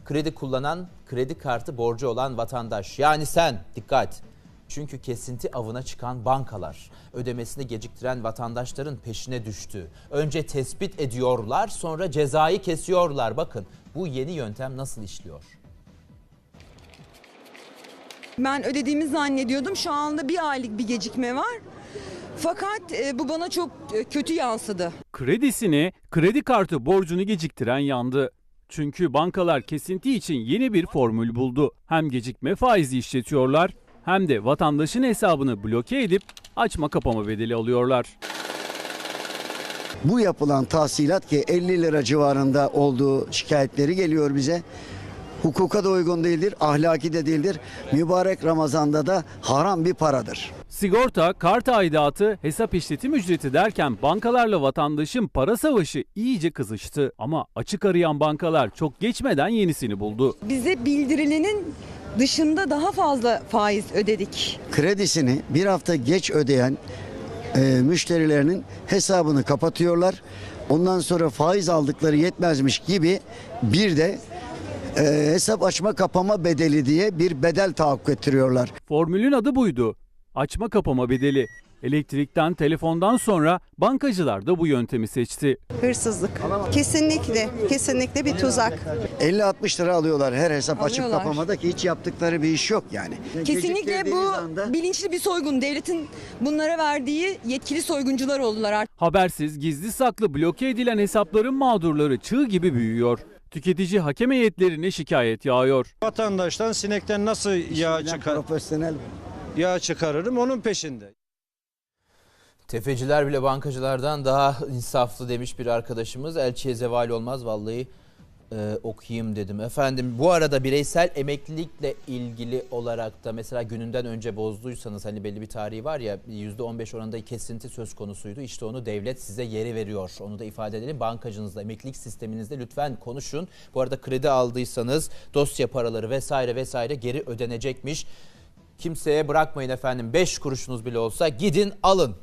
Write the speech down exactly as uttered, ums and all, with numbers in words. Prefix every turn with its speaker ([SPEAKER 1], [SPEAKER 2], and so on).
[SPEAKER 1] Kredi kullanan, kredi kartı borcu olan vatandaş. Yani sen, dikkat. Çünkü kesinti avına çıkan bankalar ödemesini geciktiren vatandaşların peşine düştü. Önce tespit ediyorlar, sonra cezayı kesiyorlar. Bakın bu yeni yöntem nasıl işliyor?
[SPEAKER 2] Ben ödediğimi zannediyordum. Şu anda bir aylık bir gecikme var. Fakat e, bu bana çok e, kötü yansıdı.
[SPEAKER 3] Kredisini, kredi kartı borcunu geciktiren yandı. Çünkü bankalar kesinti için yeni bir formül buldu. Hem gecikme faizi işletiyorlar hem de vatandaşın hesabını bloke edip açma kapama bedeli alıyorlar.
[SPEAKER 4] Bu yapılan tahsilat ki elli lira civarında olduğu şikayetleri geliyor bize. Hukuka da uygun değildir, ahlaki de değildir. Mübarek Ramazan'da da haram bir paradır.
[SPEAKER 3] Sigorta, kart aidatı, hesap işletim ücreti derken bankalarla vatandaşın para savaşı iyice kızıştı. Ama açık arayan bankalar çok geçmeden yenisini buldu.
[SPEAKER 2] Bize bildirilenin dışında daha fazla faiz ödedik.
[SPEAKER 4] Kredisini bir hafta geç ödeyen e, müşterilerinin hesabını kapatıyorlar. Ondan sonra faiz aldıkları yetmezmiş gibi bir de e, hesap açma kapama bedeli diye bir bedel tahakkuk ettiriyorlar.
[SPEAKER 3] Formülün adı buydu. Açma kapama bedeli. Elektrikten, telefondan sonra bankacılar da bu yöntemi seçti.
[SPEAKER 5] Hırsızlık. Kesinlikle, kesinlikle bir tuzak.
[SPEAKER 4] elli altmış lira alıyorlar her hesap açıp
[SPEAKER 2] Alıyorlar.
[SPEAKER 4] kapamada ki hiç yaptıkları bir iş yok yani.
[SPEAKER 2] Kesinlikle
[SPEAKER 4] Geciktirdiğiniz
[SPEAKER 2] bu
[SPEAKER 4] anda-
[SPEAKER 2] bilinçli bir soygun. Devletin bunlara verdiği yetkili soyguncular oldular artık.
[SPEAKER 3] Habersiz, gizli saklı bloke edilen hesapların mağdurları çığ gibi büyüyor. Tüketici hakem heyetlerine şikayet yağıyor.
[SPEAKER 6] Vatandaştan sinekten nasıl yağ
[SPEAKER 4] Bilen
[SPEAKER 6] çıkar
[SPEAKER 4] profesyonel.
[SPEAKER 6] yağ çıkarırım onun peşinde.
[SPEAKER 1] Tefeciler bile bankacılardan daha insaflı demiş bir arkadaşımız. Elçiye zeval olmaz vallahi e, okuyayım dedim. Efendim bu arada bireysel emeklilikle ilgili olarak da mesela gününden önce bozduysanız hani belli bir tarihi var ya yüzde on beş oranında kesinti söz konusuydu. İşte onu devlet size geri veriyor. Onu da ifade edelim. Bankacınızla, emeklilik sisteminizde lütfen konuşun. Bu arada kredi aldıysanız dosya paraları vesaire vesaire geri ödenecekmiş. Kimseye bırakmayın efendim, beş kuruşunuz bile olsa gidin alın.